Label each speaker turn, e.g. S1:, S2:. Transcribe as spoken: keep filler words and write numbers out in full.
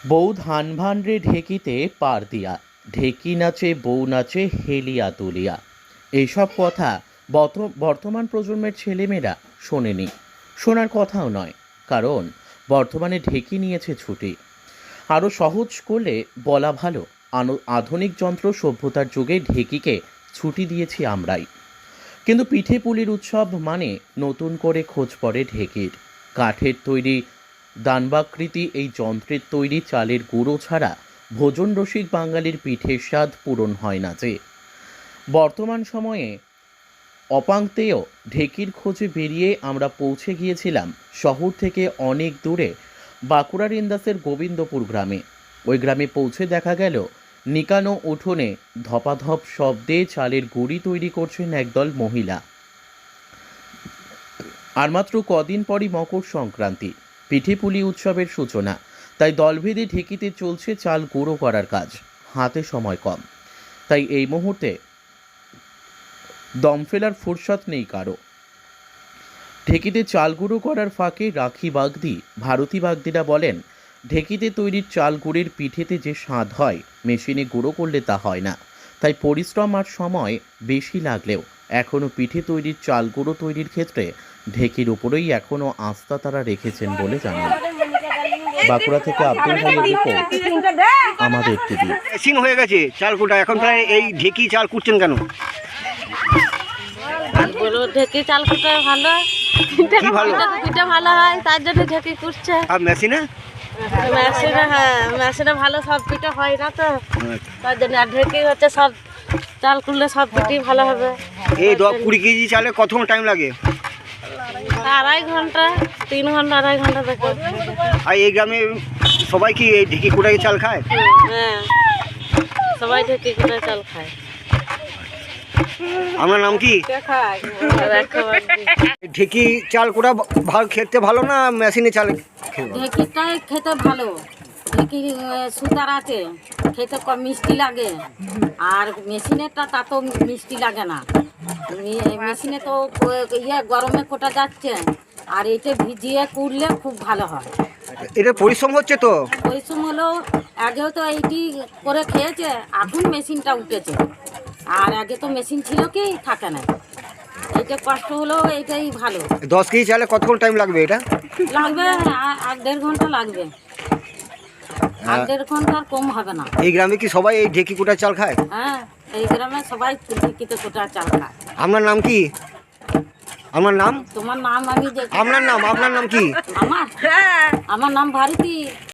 S1: বউ ধান ভান্ডে ঢেকিতে পার দিয়া, ঢেকি নাচে বউ নাচে হেলিয়া তুলিয়া। এইসব কথা বর্ত- বর্তমান প্রজন্মের ছেলেমেয়েরা শোনেনি, শোনার কথাও নয়। কারণ বর্তমানে ঢেকি নিয়েছে ছুটি। আরও সহজ করলে বলা ভালো, আনো- আধুনিক যন্ত্র সভ্যতার যুগে ঢেকিকে ছুটি দিয়েছি আমরাই। কিন্তু পিঠে পুলির উৎসব মানে নতুন করে খোঁজ পড়ে ঢেকির। কাঠের তৈরি দানবাকৃতি এই যন্ত্রের তৈরি চালের গুঁড়ো ছাড়া ভোজন রসিক বাঙালির পিঠের স্বাদ পূরণ হয় না যে। বর্তমান সময়ে অপাঙ্ক্তেয় ঢেকির খোঁজে বেরিয়ে আমরা পৌঁছে গিয়েছিলাম শহর থেকে অনেক দূরে বাঁকুড়ার ইন্দাসের গোবিন্দপুর গ্রামে। ওই গ্রামে পৌঁছে দেখা গেল নিকানো উঠোনে ধপাধপ শব্দে চালের গুঁড়ি তৈরি করছেন একদল মহিলা। আর মাত্র কদিন পরই মকর সংক্রান্তি, পিঠেপুলি উৎসবের সূচনা। তাই দলভেদে ঢেকিতে চলছে চাল গুঁড়ো করার কাজ। হাতে সময় কম, তাই এই মুহূর্তে দম ফেলার ফুরসত নেই কারো। ঢেকিতে চাল গুঁড়ো করার ফাঁকে রাখি বাগদি, ভারতী বাগদিরা বলেন, ঢেকিতে তৈরির চাল গুঁড়ের পিঠেতে যে স্বাদ হয় মেশিনে গুঁড়ো করলে তা হয় না। তাই পরিশ্রম আর সময় বেশি লাগলেও এখনও পিঠে তৈরির চাল গুঁড়ো তৈরির ক্ষেত্রে ঢেকির উপরেই এখনও আস্থা তারা রেখেছেন বলে জানান। বাঁকুড়া থেকে আব্দুল হাইয়ের রিপোর্ট, আমাদের টিভি।
S2: মেশিন হয়ে গেছে চাল কুটা, এখন প্রায় এই ঢেকি চাল কুটছেন কেন?
S3: বলো ঢেকি চাল কুটে ভালো,
S2: কি ভালো?
S3: পিঠে ভালো হয় তার জন্য ঢেকি কুটছে।
S2: আর মেশিনে
S3: মেশিনে, হ্যাঁ মেশিনে ভালো সব পিঠে হয় না তো, তার জন্য। আর ঢেকি হচ্ছে সব চাল কুটলে সব পিঠেই ভালো হবে।
S2: এই দশ কুড়ি কেজি চালে কতক্ষণ টাইম লাগে?
S3: আড়াই ঘন্টা, তিন ঘন্টা আড়াই ঘন্টা দেখো।
S2: আর এই গ্রামে সবাই কি এই ঢেকি কুটাই চাল খায়?
S3: হ্যাঁ, সবাই ঢেকি কুটে চাল খায়।
S2: আমার নাম কি? ঢেকি চাল কুটা ভালো খেতে ভালো না মেশিনে চাল খেতে ভালো?
S4: ঢেঁকিটাই খেতে ভালো। ঢেঁকি সুতার আছে, খেতে কম মিষ্টি লাগে। আর মেশিনেরটা তা তো মিষ্টি লাগে না। মে- মেশিনে তো ইয়ে গরমে কোটা যাচ্ছে, আর এটা ভিজিয়ে কুড়লে খুব ভালো হয়।
S2: এটা পরিশ্রম হচ্ছে তো।
S4: পরিশ্রম হলেও আগেও তো এইটি করে খেয়েছে, এখন মেশিনটা উঠেছে। আর আগে তো মেশিন ছিল কি থাকে না। এইটা কষ্ট হলেও এইটাই ভালো।
S2: দশ কেজি চালে কতক্ষণ টাইম লাগবে এটা?
S4: লাগবে আ- এক দেড় ঘন্টা লাগবে। এক দেড় ঘন্টার কম হবে না।
S2: এই গ্রামে কি সবাই এই ঢেকি কুটা চাল খায়?
S4: হ্যাঁ, এই গ্রামে সবাই ঢেঁকিতে কোটা চাল খায়।
S2: আপনার নাম কি? আমার নাম?
S4: তোমার নাম আমি যে
S2: আপনার নাম আপনার নাম কি?
S4: আমার আমার নাম ভারতী।